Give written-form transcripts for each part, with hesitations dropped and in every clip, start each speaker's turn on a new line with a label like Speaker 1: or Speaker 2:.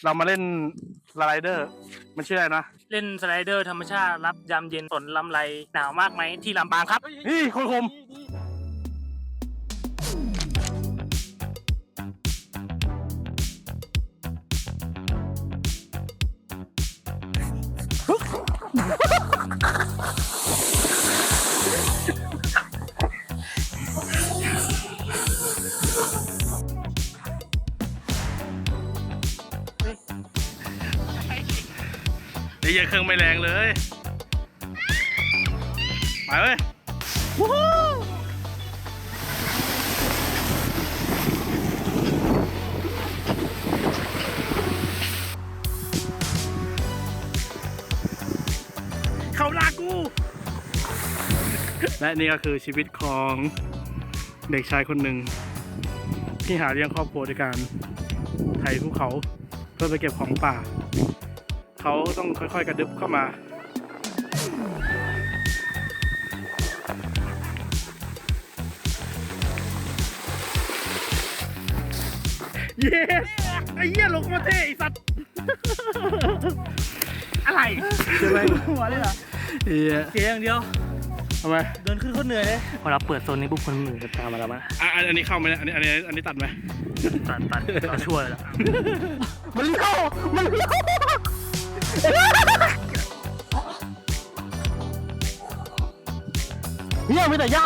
Speaker 1: เรามาเล่นสไลเดอร์มันชื่ออะไรนะ
Speaker 2: เล่นสไลเดอร์ธรรมชาติรับยามเย็นฝนลำไรหนาวมากไหมที่ลำปางครับ
Speaker 1: นี่คนคมไอ้เหี้ยเครื่องไม่แรงเลยไปเว้ยวู้ฮู้เข้าหน้ากู และนี่ก็คือชีวิตของเด็กชายคนหนึ่งที่หาเลี้ยงครอบครัวด้วยการไถภูเขาเพื่อไปเก็บของป่าเขาต้องค่อยๆกระดึบเข้ามาเย้ไอ้เหี้ยลงมาเท่ไอ้สัตว์อะไรใช่ไหมหัวเลยเหรอเหี้ย
Speaker 2: เกียอย่างเดียว
Speaker 1: ทำไม
Speaker 2: เดินขึ้นก็เหนื่อยเลยพอเราเปิดโซนนี้ปุ๊บคนหนึ่งจะตามมาแล้วมั้ย
Speaker 1: อันนี้เข้าไหมอันนี้ตัดไหม
Speaker 2: ตัดเราช่วยแล้ว
Speaker 1: มันเลี้ยวเนี่ยมีแต่หญ้า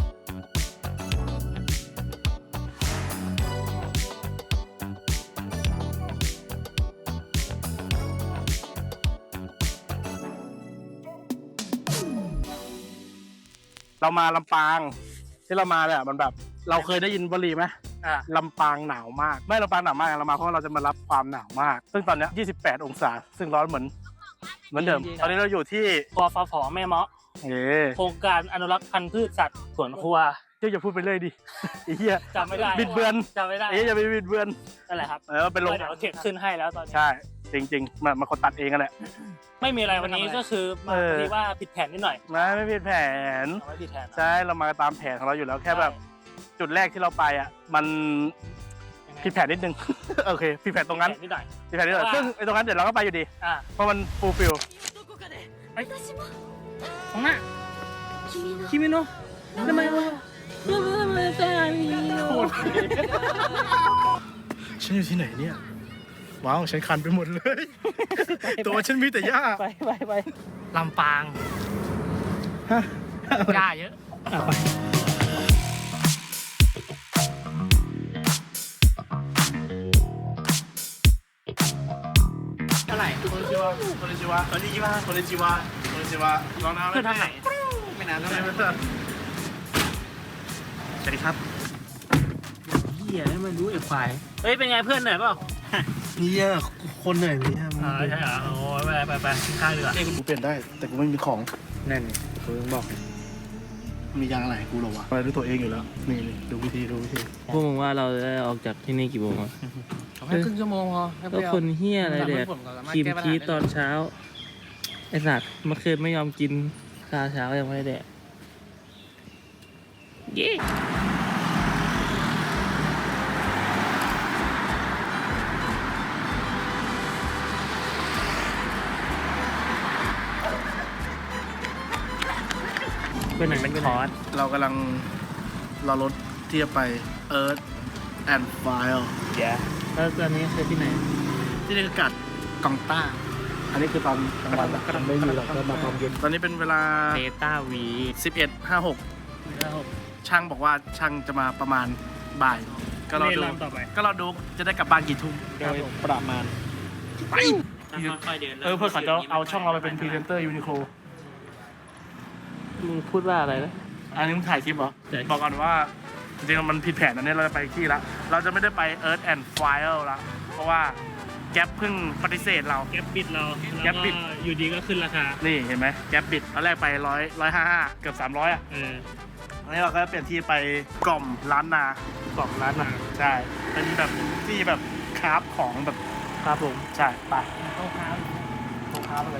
Speaker 1: เรามาลำปางที่เรามาเนี่ยมันแบบเราเคยได้ยินวลีไหมลำปางหนาวมากไม่ลำปางหนาวมากเรามาเพราะเราจะมารับความหนาวมากซึ่งตอนนี้28 องศาซึ่งร้อนเหมือนเดิมตอนนี้เราอยู่ที่
Speaker 2: กฟผแม่เมาะโครงการอนุรักษ์พันธุ์พืชสัตว์สวนครัว
Speaker 1: อย่าพูดไปเลยดิไอ้เหี้ย
Speaker 2: จำไม่ได้
Speaker 1: บิดเบือน
Speaker 2: จำไม่ได้
Speaker 1: อย่าไปบิดเบือน
Speaker 2: นั่นแหละครับ
Speaker 1: เป็นลง
Speaker 2: เดี๋ยวเก็บขึ้นให้แล้วตอนนี้
Speaker 1: ใช่จริงๆมาคนตัดเองกันแหละ
Speaker 2: ไม่มีอะไรวันนี้ก็คือมาที่ว่าผิดแผนนิดหน่อย
Speaker 1: ไม่ผิดแผน
Speaker 2: ไม่ผิดแผน
Speaker 1: ใช่เรามาตามแผนของเราอยู่แล้วแค่แบบจุดแรกที่เราไปอ่ะมันผิดแผนนิดนึงโอเคผิดแผนตรงนั้น
Speaker 2: นิดหน่อย
Speaker 1: ซึ่งไอ้ตรงนั้นเดี๋ยวเราก็ไปอยู่ดีเพราะมันฟูลฟิล
Speaker 2: ของหน้าคิมิโนะทำไมวะ
Speaker 1: ฉันอยู่ที่ไหนเนี่ยว้าวฉันคันไปหมดเลยตัวฉันมีแต่หญ้า
Speaker 2: ไปลำปางหญ้าเยอะไปอะไร
Speaker 1: คนจิวะลองน้ำ
Speaker 2: เพื่อนทางไหนไม่นานแล้วสวัสดีครับเฮียให้มันรู้ไอ้ควายเฮ้ยเป็นไงเพื่อนเหนื่อยเปล่า
Speaker 1: เนี่ยคนเหนื่อยเนี่ย
Speaker 2: ใช่เหรอโอ้ไปข้างเรือ
Speaker 1: กูเปลี่ยนได้แต่กูไม่มีของ
Speaker 2: แน่นกูบอก
Speaker 1: มียางอะไรกูหรอวะอะไรด้วยตัวเองอยู่แล้วนี่ดูวิธี
Speaker 3: พวกมึงว่าเราจะออกจากที่นี่กี่โมงอ่ะ
Speaker 2: แค่ครึ่งชั่วโมงพอ
Speaker 3: แล้วคนเฮี้ยอะไรเด็กคิมชีตอนเช้าไอ้สัตว์เมื่อคืนไม่ยอมกินข้าวเช้ายังไม่ได้แดกเย้เป็นหนังเป็นคอร์ส
Speaker 1: เรากำลังรอรถที่จะไป Earth and Fire
Speaker 3: แล้วตอนนี้คือที่ไหน
Speaker 1: ที่นี่คือกัดกองต้าอันนี้คือตอนกลางวันไม่มีหรอกเรามาตอนเย็นตอนนี้เป็นเวลา
Speaker 3: เบต้าวี
Speaker 1: 11:56ช่างบอกว่าช่างจะมาประมาณบ่ายก็เราดูจะได้กลับบ้านกี่ทุ่มโดยประมาณไปเพื่อเขาจะเอาช่องเราไปเป็นพรีเซนเตอร์ยูนิโค
Speaker 3: มึงพูดว่าอะไรนะ
Speaker 1: อันนี้มึงถ่ายคลิปเหรอบอกก่อนว่าจริงๆมันผิดแผนอันนี้เราจะไปที่ละเราจะไม่ได้ไป Earth and Fire ละเพราะว่าแก๊ปเพิ่งปฏิเสธเรา
Speaker 2: แก๊ปปิดอยู่ดีก็ขึ้นราคา
Speaker 1: นี่เห็นไหมแก๊ปปิดตอนแรกไป155เกือบ300อ่ะอันนี้เราก็เปลี่ยนที่ไปกล่อมล้านนาใช่เป็นแบบที่แบบคราฟของแบบ
Speaker 3: ครับผม
Speaker 1: ใช่ไป
Speaker 2: ต้องคราฟอะไร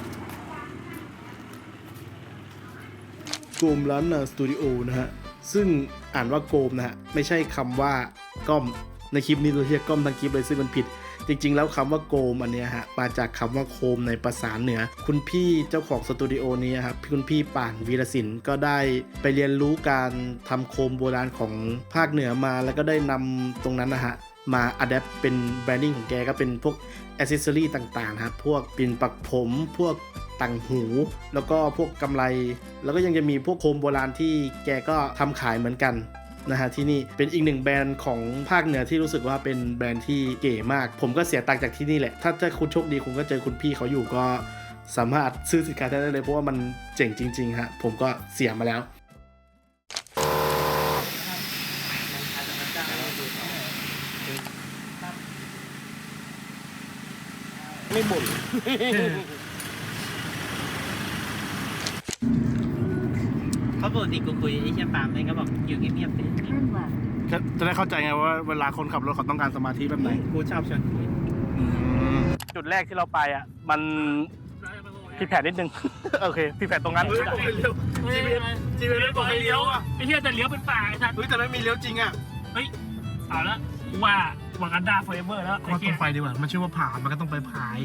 Speaker 1: โกมล้านนาสตูดิโอนะฮะซึ่งอ่านว่าโกมนะฮะไม่ใช่คำว่าก้อมในคลิปนี้เราเรียกก้อมทั้งคลิปเลยซึ่งมันผิดจริงๆแล้วคำว่าโกมอันเนี้ยฮะมาจากคำว่าโคมในภาษาเหนือคุณพี่เจ้าของสตูดิโอนี้ครับคุณพี่ป่านวีรศิลป์ก็ได้ไปเรียนรู้การทำโคมโบราณของภาคเหนือมาแล้วก็ได้นำตรงนั้นนะฮะมาอัดแอปเป็นแบรนดิ้งของแกก็เป็นพวกแอ c เซสซอรี่ต่างๆครับพวกปิ่นปักผมพวกต่างหูแล้วก็พวกกำไรแล้วก็ยังจะมีพวกโคมโบราณที่แกก็ทำขายเหมือนกันนะฮะที่นี่เป็นอีกหนึ่งแบรนด์ของภาคเหนือที่รู้สึกว่าเป็นแบรนด์ที่เก๋มากผมก็เสียตังค์จากที่นี่แหละถ้าคุณโชคดีคุณก็เจอคุณพี่เขาอยู่ก็สามารถซื้อสินค้าได้เลยเพราะว่ามันเจ๋งจริงๆฮะผมก็เสียมาแล้ว
Speaker 2: ไม่บ่นเขาปกติกูคุยไอ้เชี่ยปามเลยก็บอกอยู่เงียบๆสิ
Speaker 1: จะได้เข้าใจไงว่าเวลาคนขับรถเขาต้องการสมาธิแบบไหน
Speaker 2: กูชอบชวนคุย
Speaker 1: จุดแรกที่เราไปอ่ะมันผิดแผนนิดนึง โอเคผิดแผนตรงนั้นจีเวลบอกให้เลี้ยวอ่ะ
Speaker 2: ไอ้เชี่ยแต่เลี้ยวเป็นป่าไอ้สัตว์
Speaker 1: เฮ้ยแต่ไม่มีเลี้ยวจริงอ่ะ
Speaker 2: เฮ้ยเอาละว่าวากันดาโฟเอเวอร์แล้ว
Speaker 1: ว่าต้องไปดีกว่ามันชื่อว่าผามันก็ต้องไปผาย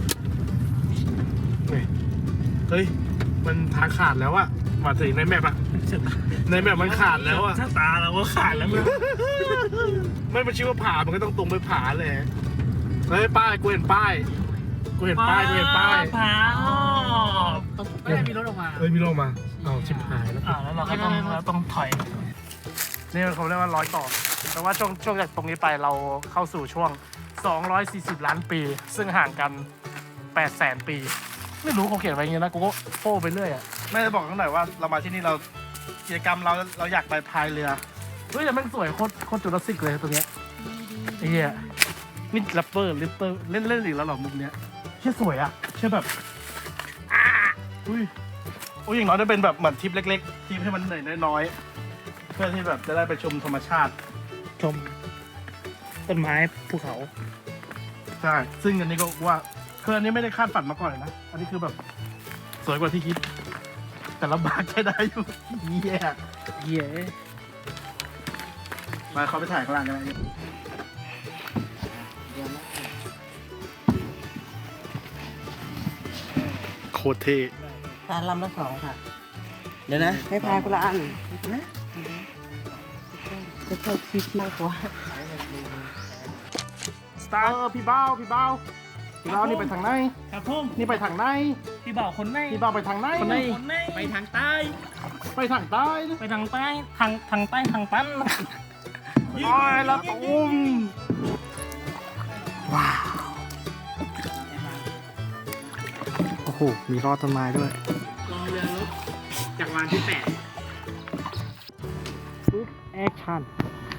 Speaker 1: เฮ้ยมันทางขาดแล้วอ่ะมาถึงในแมปอ่ะในแมปมันขาดแล้วอ่ะ
Speaker 2: ชะตาเราก็ขาดแล้วมึง
Speaker 1: ไม่มันชื่อว่าผามันก็ต้องตรงไปผาเลยเฮ้ยป้ายกูเห็นป้ายกูเห็นป้าย
Speaker 2: ผาไม่ได้มีรถออกมา
Speaker 1: เฮ้ยมีลงมาเอาชิบหายแล้ว
Speaker 2: แล้วเราก็ต้องถอย
Speaker 1: นี่เขาเรียกว่าร้อยต่อแต่ว่าช่วงจากตรงนี้ไปเราเข้าสู่ช่วง240 ล้านปีซึ่งห่างกัน800,000 ปีไม่รู้เขาเขียนไว้อย่างนี้นะกูก็โป้ไปเรื่อยอ่ะไม่ได้บอกตั้งแต่ว่าเรามาที่นี่เรากิจกรรมเราอยากไปพายเรือเฮ้ยแต่มันสวยโคตรจุลศิลป์เลยตัวเนี้ยไอ้เหี้ยนี่แรปเปอร์ลิปเปอร์เล่นอีกแล้วหรอมุกเนี้ยเชื่อสวยอ่ะเชื่อแบบอุ้ยอย่างน้อยได้เป็นแบบเหมือนทริปเล็กๆทริปให้มันเหนื่อยน้อยๆเพื่อที่แบบจะได้ไปชมธรรมชาติ
Speaker 3: ชมต้นไม้ภูเขา
Speaker 1: ใช่ซึ่งอันนี้ก็ว่าคืออันนี้ไม่ได้คาดฝันมาก่อนเลยนะอันนี้คือแบบสวยกว่าที่คิดแต่ลำบากใช้ได้อยู่เยี่ย
Speaker 3: เหี้ย
Speaker 1: มาเขาไปถ่ายข้างล่างกันเลยโคตรเท่
Speaker 4: ทานลำละ2ค่ะ เดี๋ยวนะให้พายคนละอันนะจะเข้าคิดมากกว่า
Speaker 1: สตาร์พี่เบ้านี่ไปทางไหน
Speaker 2: ครับผม
Speaker 1: นี่ไปทางไหน
Speaker 2: พี่บ่าวคนไหน
Speaker 1: พี่เบ้าไปทางไหน
Speaker 2: คนไหนไปทางใต้
Speaker 1: ไปทางใต้
Speaker 2: ไปทางใต้ทางใต้ทางตัน
Speaker 1: โอ้ยละตุ้มว้าวโอ้โหมีรอดต้นไม้ด้วย
Speaker 2: รอเรือรบจากวันที่8
Speaker 1: ปุ๊บแอคชั่น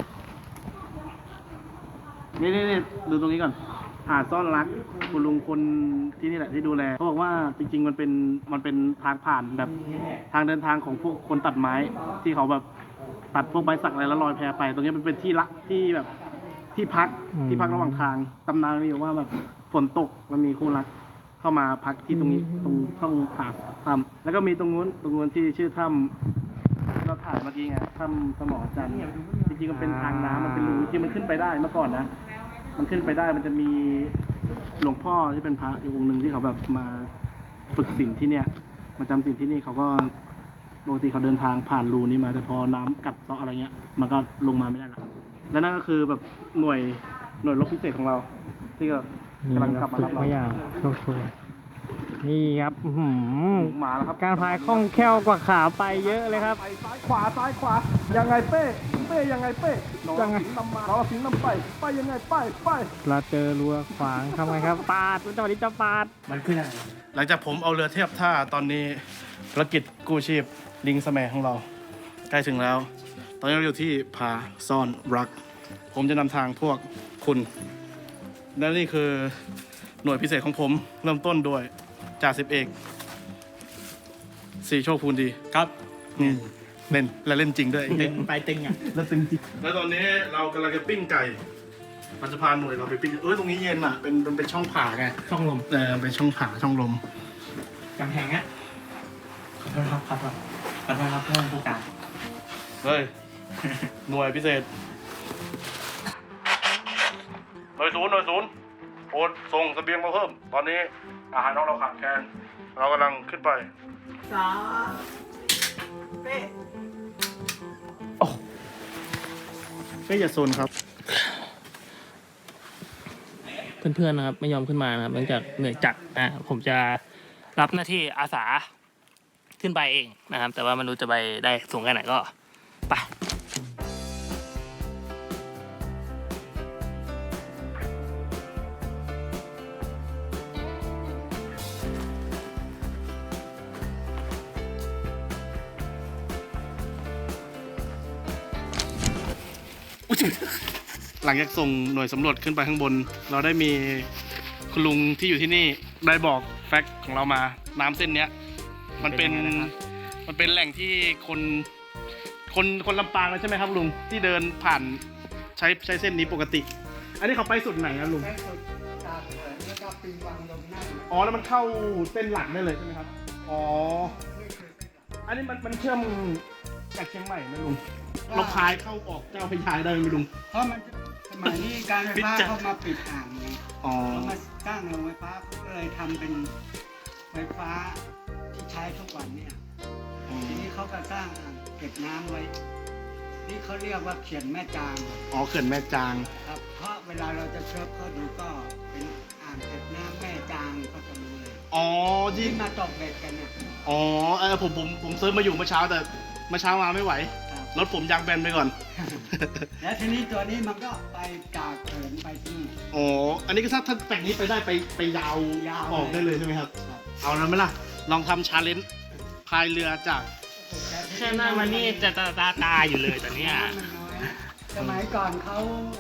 Speaker 1: นี่ดูตรงนี้ก่อนหาดซ่อนรักคุณลุงคนที่นี่แหละที่ดูแลเขาบอกว่าจริงๆมันเป็นทางผ่านแบบทางเดินทางของพวกคนตัดไม้ที่เขาแบบตัดพวกใบสักอะไรแล้วลอยแพไป ตรงนี้มันเป็นที่ละที่แบบที่พักระหว่างทางตำนานมีอยู่ว่าแบบฝนตกมันมีคู่รักเข้ามาพักที่ตรงนี้ตรงช่องผาถ้ำแล้วก็มีตรงนู้นที่ชื่อถ้ำเราถ่ายเมื่อกี้ไงถ้ำสมอจันทร์จริงๆมันเป็นทางน้ำมันเป็นรูที่มันขึ้นไปได้เมื่อก่อนนะมันขึ้นไปได้มันจะมีหลวงพ่อที่เป็นพระอยู่องค์หนึ่งที่เขาแบบมาฝึกศีลที่เนี่ยมาจำศีลที่นี่เขาก็ปกติเขาเดินทางผ่านรูนี้มาแต่พอน้ำกัดเซาะอะไรเงี้ยมันก็ลงมาไม่ได้ละและนั่นก็คือแบบหน่วยรบพิเศษของเรา ที่กำลังกลับมารับเรา
Speaker 3: อย่างโชคช่วยนี่ครับ
Speaker 1: มาแล้วครับ
Speaker 3: การพายคล่องแคล่วกว่าขาไปเยอะเลยครับ
Speaker 1: ไปซ้ายขวายังไงเป้ยังไงเป้ยังไงนำมาเราสิงนำไปยังไงไป
Speaker 3: เราเจอรัวขวางทำไงครับปาดจังหวะนี้จะปาด
Speaker 2: มันขึ้นอะไร
Speaker 1: หลังจากผมเอาเรือเทียบท่าตอนนี้ภารกิจกู้ชีพลิงสแมของเราใกล้ถึงแล้ว ตอนนี้เราอยู่ที่ผาซ่อนรัก ผมจะนำทางพวกคุณและนี่คือหน่วยพิเศษของผมเริ่มต้นด้วยจ่าสิบเอกสีโชคพูนดีครับนี่เล่นและเล่นจริงด้วย
Speaker 2: ไปตึงอ่ะ
Speaker 1: แล้วตึงจริงแล้วตอนนี้เรากำลังจะปิ้งไก่มันจะพาหน่วยเราไปปิ้งตรงนี้เย็นอ่ะเป็นช่องผ่าไง
Speaker 2: ช่องลม
Speaker 1: เป็นช่องผ่าช่องลม
Speaker 2: กำแพงอ่ะขอโทษครับเพื่อนผู้การ
Speaker 1: เฮ้ย หน่วยพิเศษหน่วยศูนย์โอนส่งเสบียงมาเพิ่ม ตอนนี้อาหารของเราขาดแคลนเรากำลังขึ้นไป
Speaker 4: เป้
Speaker 1: ไม่อย่าโซนครับ
Speaker 3: เพื่อนๆนะครับไม่ยอมขึ้นมานะครับเนื่องจากเหนื่อยจัดผมจะรับหน้าที่อาสาขึ้นไปเองนะครับ แต่ว่าไม่รู้จะไปได้สูงแค่ไหนก็ไป
Speaker 1: หลังจากส่งหน่วยสำรวจขึ้นไปข้างบน เราได้มีคุณลุงที่อยู่ที่นี่ได้บอกแฟกต์ของเรามาน้ำเส้นเนี้ย มันเป็นแหล่งที่คนลำปางเลยใช่ไหมครับลุงที่เดินผ่านใช้เส้นนี้ปกติ อันนี้เขาไปสุดไหนนะลุง
Speaker 4: แม่สุดจากเหินแล้วก็ปีนวังลงนั่ง
Speaker 1: อ๋อแล้วมันเข้าเส้นหลักได้เลยใช่ไหมครับอ๋ออันนี้มันเชื่อมจากเชียงใหม่ไหมลุงเราพายเข้าออกเจ้าพระยาได้ไหมลุง
Speaker 4: เพราะมันสมัยนี้การไฟฟ้าเขามาปิดอ่างไง
Speaker 1: อ๋อ
Speaker 4: เขามาสร้างโรงไฟฟ้าเขาก็เลยทำเป็นไฟฟ้าที่ใช้ทุกวันเนี่ยทีนี้เขาก็สร้างอ่างเก็บน้ำไว้นี่เขาเรียกว่าเขื่อนแม่จาง
Speaker 1: อ๋อเขื่อนแม่จาง
Speaker 4: ครับเพราะเวลาเราจะเชิญเขาดูก็เป็นอ่างเก็บน้ำแม่จางก็จะรู้เลย
Speaker 1: อ๋อที่
Speaker 4: ที่มาตกเบ็ดกันเนี่ย
Speaker 1: อ๋อผมเซิร์ชมาอยู่เมื่อเช้าแต่เมื่อเช้ามาไม่ไหว
Speaker 4: ครับ
Speaker 1: รถผมยางแบนไปก่อน
Speaker 4: แล้วทีนี้ตัวนี้มันก็ไปจากเขินไปที่นี่
Speaker 1: อ๋อ อันนี้ก็ถ้าแต่งนี้ไปได้ไปยาว
Speaker 4: ยาว
Speaker 1: ออกได้เลยใช่ไหมครับ
Speaker 4: ครับ
Speaker 1: เอาแล้วไหมล่ะ ลองทำชาเลนจ์พายเรือจาก
Speaker 3: แค่หน้ามันนี่จะตาอยู่เลยตอนเนี้ย
Speaker 4: น้ำมันน้อยสมัยก่อนเขา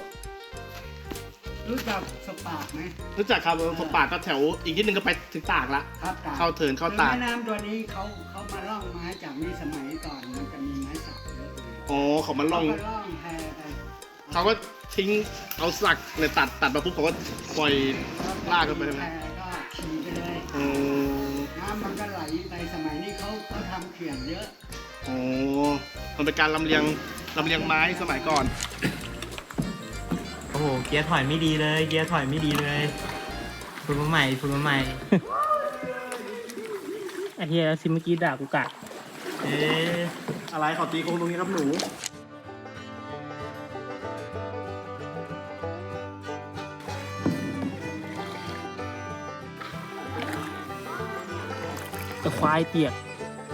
Speaker 4: รู้จักสปาร์กไหม
Speaker 1: รู้จักครับสปาก็แถวอีกนิดนึงก็ไปถึงตากละ
Speaker 4: ครับตาก
Speaker 1: เข้าเถินเข้าตาก
Speaker 4: แม่น้ำตัวนี้เขามาล่องไม้จากนี่สมัยก่อนมันจะมีไม้สักเยอะเลย
Speaker 1: อ๋อเขามาล่อง
Speaker 4: เขาก็ล่องแพไป
Speaker 1: เขาก็ทิ้งเอาสักเนี่ยตัดมาปุ๊บเขาก็ปล่อย ลากกันไปใช่ไหม
Speaker 4: แพก็ขี่ไปเลย
Speaker 1: อ๋อ
Speaker 4: น้ำมันก็ไหลไปสมัยนี้เขาทำเขื่อนเยอะ
Speaker 1: อ๋อมันเป็นการลำเลียงไม้สมัยก่อน
Speaker 5: โอ้โห เกียร์ถอยไม่ดีเลย เกียร์ถอยไม่ดีเลยฝึกมาใหม่ฝึกมาใหม่
Speaker 3: ไอ้เหี้ยซิเมื่อกี้ด่ากูกะ
Speaker 5: เอ๊ะ
Speaker 1: อะไรขอตีโค้งตรงนี้ครับหนู
Speaker 3: จะควายเปียก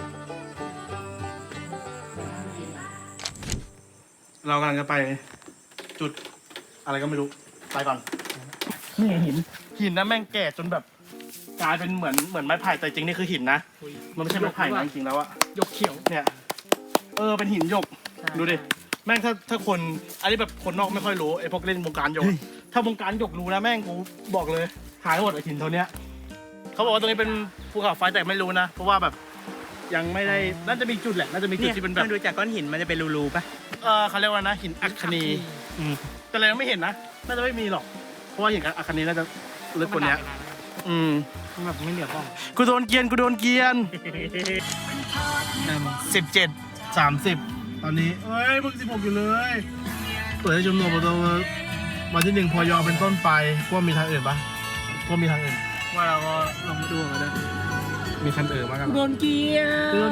Speaker 1: เรากำลังจะไปจุดอะไรก็ไม่รู้ ไปก่อน
Speaker 3: นี่หิน
Speaker 1: หินนะแม่งแก่จนแบบกลายเป็นเหมือนไม้ไผ่แต่จริงนี่คือหินนะ มันไม่ใช่ไม้ไผ่นะจริงๆแล้วอะ
Speaker 3: ยกเขียว
Speaker 1: เนี่ย เป็นหินหยก ดูดิ แม่งถ้าคน อันนี้แบบคนนอกไม่ค่อยรู้ไอ้พวกเล่นวงการหยก ถ้าวงการหยกรู้นะแม่งกูบอกเลย หายหมดไอ้หินเท่านี้ยเขาบอกว่าตรงนี้เป็นภูเขาไฟแต่ไม่รู้นะ เพราะว่าแบบยังไม่ได้ น่าจะมีจุดแหละ น่าจะมีจุดที่เป็นแบบ
Speaker 5: มันดูจากก้อนหินมันจะเป็นรูๆปะ
Speaker 1: เขาเรียกว่านะหินอัคนี แต่เรายังไม่เห็นนะ น่าจะไม่มีหรอก เพราะว่าหินอัคนีน่าจะลึกกว่านี้
Speaker 3: มันแบบไม่เหลือบ้อง
Speaker 1: กูโดนเกรียน17 30 ตอนนี้เอ้ยมึง16อยู่เลยเปิดให้ชมรมตัววันที่1พอยอเป็นต้นไปพวกมีทางอื่นปะพวกมีทางอื่น
Speaker 3: ว่าเราก็ลองมาดูกันนะ
Speaker 1: มีคันอื่นมากัน
Speaker 3: โดนเกียร์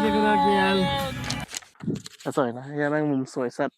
Speaker 1: สวยนะยังแม่งมุมสวยสัตว์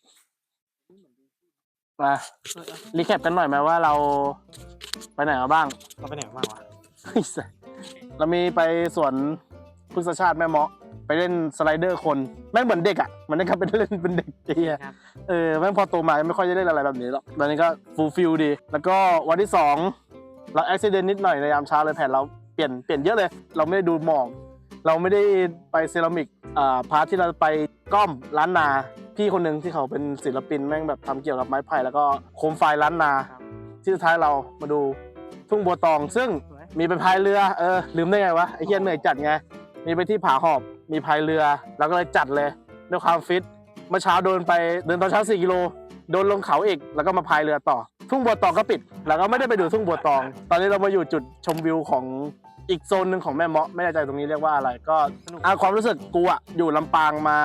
Speaker 1: มารีแคปกันหน่อยไหมว่าเราไปไหนมาบ้าง
Speaker 5: เราไปไหนบ้างวะ
Speaker 1: เรามีไปสวนพฤกษชาติแม่เมาะไปเล่นสไลเดอร์คนแม่งเหมือนเด็กอ่ะเหมือนนะครับเป็นเล่นเป็นเด็กไอ้เหี้ยแม่งพอโตมาไม่ค่อยได้เล่นอะไรแบบนี้หรอกตอนนี้ก็ฟูลฟิลดี แล้วก็วันที่2เราอุบิเหตุนิดหน่อยในยามเช้าเลยแผนเราเปลี่ยนเยอะเลย เราไม่ได้ดูหมอกเราไม่ได้ไปเซรามิกพาร์ทที่เราไปก้อมล้านนาพี่คนหนึ่งที่เขาเป็นศิลปินแม่งแบบทำเกี่ยวกับไม้ไผ่แล้วก็โคมไฟล้านนาที่สุดท้ายเรามาดูทุ่งบัวตองซึ่งมีไปพายเรือลืมได้ไงวะไอ้เหี้ยเหนื่อยจัดไงมีไปที่ผาหอบมีพายเรือแล้วก็เลยจัดเลยด้วยความฟิตเมื่อเช้าเดินตอนเช้า4 กิโลโดนลงเขาอีกแล้วก็มาพายเรือต่อทุ่งบัวตองก็ปิดแล้วก็ไม่ได้ไปดูทุ่งบัวตอง ตอนนี้เรามาอยู่จุดชมวิวของอีกโซนหนึ่งของแม่เมาะไม่แน่ใจตรงนี้เรียกว่าอะไรก็ความรู้สึกกูอะอยู่ลำปางมา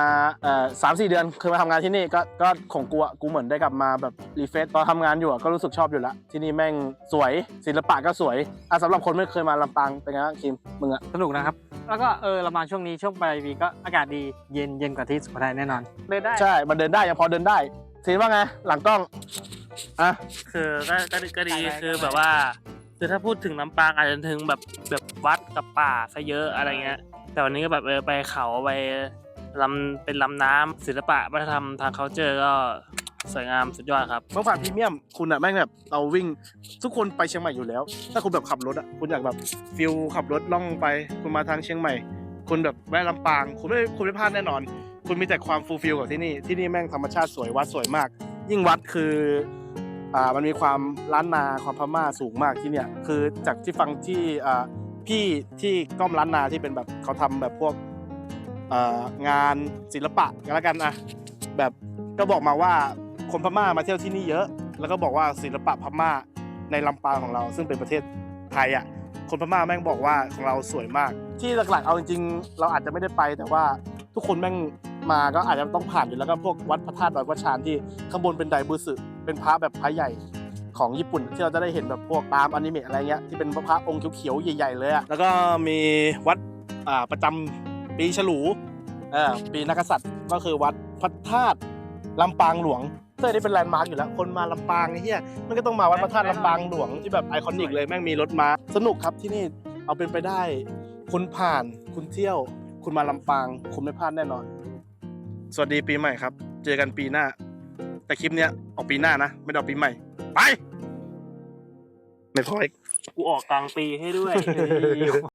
Speaker 1: 3-4 เดือนเคยมาทำงานที่นี่ก็ของกูอะกูเหมือนได้กลับมาแบบรีเฟรชตอนทำงานอยู่อะก็รู้สึกชอบอยู่แล้วที่นี่แม่งสวยศิลปะก็สวยสำหรับคนไม่เคยมาลำปางเป็นไงบ้างคิมมึงอะ
Speaker 2: สนุกนะครับ แล้วก็เรามาช่วงนี้ช่วงปลายปีก็อากาศดีเย็นกว่าที่สุโขทัยแน่นอนเดินได้
Speaker 1: ใช่มันเดินได้ยังพอเดินได้ซีนว่าไงหลังกล้องอ่ะ
Speaker 3: คือก็ดีคือแบบว่าคือถ้าพูดถึงลำปางอาจจะถึงแบบวัดกับป่าซะเยอะอะไรเงี้ยแต่วันนี้ก็แบบไปเขาไปเป็นลำน้ำศิลปะวัฒนธรรมทางเคาเจอร์ก็สวยงามสุดยอดครับ
Speaker 1: เมื่อผ่านพรีเมียมคุณอะแม่งแบบเราวิ่งทุกคนไปเชียงใหม่อยู่แล้ว ถ้าคุณแบบขับรถอะคุณอยากแบบฟิลขับรถล่องไปคุณมาทางเชียงใหม่ คุณแบบแวะลำปางคุณไม่พลาดแน่นอน คุณมีแต่ความฟูลฟิลกับที่นี่แม่งธรรมชาติสวยวัดสวยมาก ยิ่งวัดคือมันมีความล้านนาความพม่าสูงมากที่เนี่ยคือจากที่ฟังที่พี่ที่ก้อมล้านนาที่เป็นแบบเขาทำแบบพวกงานศิลปะกันแล้วกันอะแบบก็บอกมาว่าคนพม่ามาเที่ยวที่นี่เยอะ แล้วก็บอกว่าศิลปะพม่าในลำปางของเรา ซึ่งเป็นประเทศไทยอะคนพม่าแม่งบอกว่าของเราสวยมาก ที่หลักๆเอาจริงๆเราอาจจะไม่ได้ไปแต่ว่าทุกคนแม่งมาก็อาจจะต้องผ่านอยู่แล้วก็พวกวัดพระธาตุดอยพระชานที่ข้างบนเป็นไดบูสึเป็นพระแบบพระใหญ่ของญี่ปุ่นที่เราจะได้เห็นแบบพวกตามอนิเมะอะไรเงี้ยที่เป็นพระองค์เขียวๆใหญ่ๆเลยอะแล้วก็มีวัดประจำปีฉลูปีนักกษัตริย์ก็คือวัดพระธาตุลำปางหลวงซึ่งอันนี้เป็นแลนด์มาร์กอยู่แล้วคนมาลำปางไอ้เหี้ยมันก็ต้องมาวัดพระธาตุลำปางหลวงที่แบบไอคอนิกเลยแม่งมีรถม้าสนุกครับที่นี่เอาเป็นไปได้คุณผ่านคุณเที่ยวคุณมาลำปางคุณไม่พลาดแน่นอนสวัสดีปีใหม่ครับเจอกันปีหน้าแต่คลิปเนี้ยออกปีหน้านะไม่ได้ออกปีใหม่ไปไม่พออีก
Speaker 3: กูออกกลางปีให้ด้วย